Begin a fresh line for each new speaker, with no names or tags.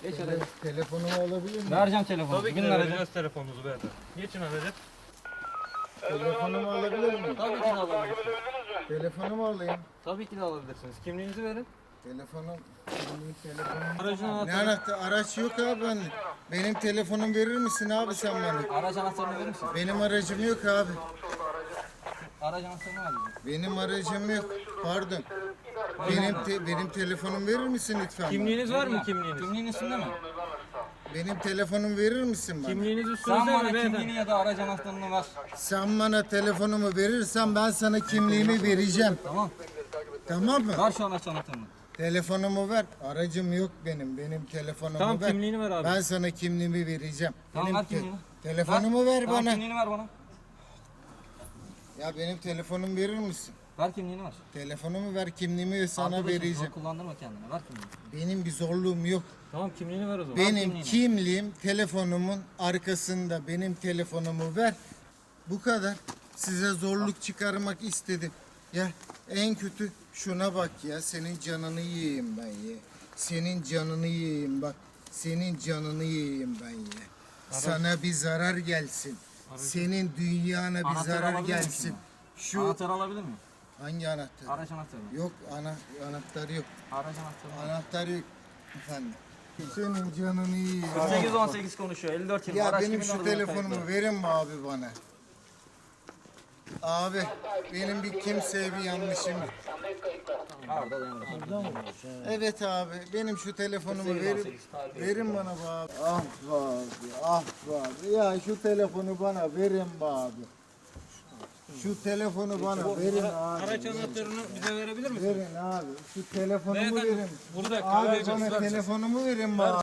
Geç hadi.
Telefonumu alabilir miyim?
Vereceğim telefonu.
Tabii ki de vereceğiz telefonunuzu beyefendi. Geçin aracı.
Telefonumu alabilir miyim?
Tabii ki de alabilirsiniz.
Telefonumu alayım.
Tabii ki de alabilirsiniz. Kimliğinizi verin.
Telefonum.
Aracın
Ne
anahtarını.
anahtar? Araç yok abi ben. Benim telefonumu verir misin abi sen bana?
Araç anahtarını verir misin?
Benim aracım yok abi.
Araç anahtarını vereceğim.
Benim aracım yok. Pardon. Benim telefonumu verir misin lütfen bana?
Kimliğiniz var mı kimliğiniz?
Kimliğin üstünde mi?
Benim telefonumu verir misin bana?
Kimliğiniz
Sen
üstünüzde
bana
mi beyefendi?
kimliğini ya da araç anahtarını ver.
Sen bana telefonumu verirsen ben sana kimliğimi vereceğim.
Tamam.
Tamam mı?
Ver şu araç anahtarını.
Telefonumu ver. Aracım yok benim. Benim telefonumu
Tamam,
ver.
kimliğini ver abi.
Ben sana kimliğimi vereceğim.
Tamam,
Benim
ver kimliğini.
Telefonumu ver
Tamam,
bana.
kimliğini ver bana.
Ya benim telefonumu verir misin?
Ver kimliğini ver.
Telefonumu ver, kimliğimi sana
Arkadaşım,
vereceğim.
zor kullandırma kendini. Ver kimliğini.
Benim bir zorluğum yok.
Tamam kimliğini ver o zaman.
Benim
kimliğini.
kimliğim telefonumun arkasında. Benim telefonumu ver. Bu kadar. Size zorluk çıkarmak istedim. Ya en kötü şuna bak ya. Senin canını yiyeyim ben ya. Senin canını yiyeyim bak. Senin canını yiyeyim ben ya. Sana bir zarar gelsin. Senin dünyana bir
Anahtarı
zarar
alabilir miyim
gelsin.
şimdi?
Şu
Anahtarı alabilir miyim?
hangi anahtar?
Araç anahtarını.
Yok anahtarı yok.
Araç anahtarını.
Anahtarı yok efendim. Senin canını yiyeyim.
818 konuşuyor. 54 20.
Ya
Araç
benim
kimin
şu
olduğunu
telefonumu
kayıtlı.
verin mi abi bana? Abi benim bir kimseye bir yanlışım yok.
Arda dayanır.
Evet abi benim şu telefonumu verin bana be abi. Ah be abi ah be abi. Ya şu telefonu bana verin be abi. Şu telefonu bana verin abi.
Araç anahtarını bize verebilir misiniz?
Verin abi. Şu telefonumu
Beyefendi,
verin.
burada
Abi
kahve
bana
göster.
telefonumu verin be abi.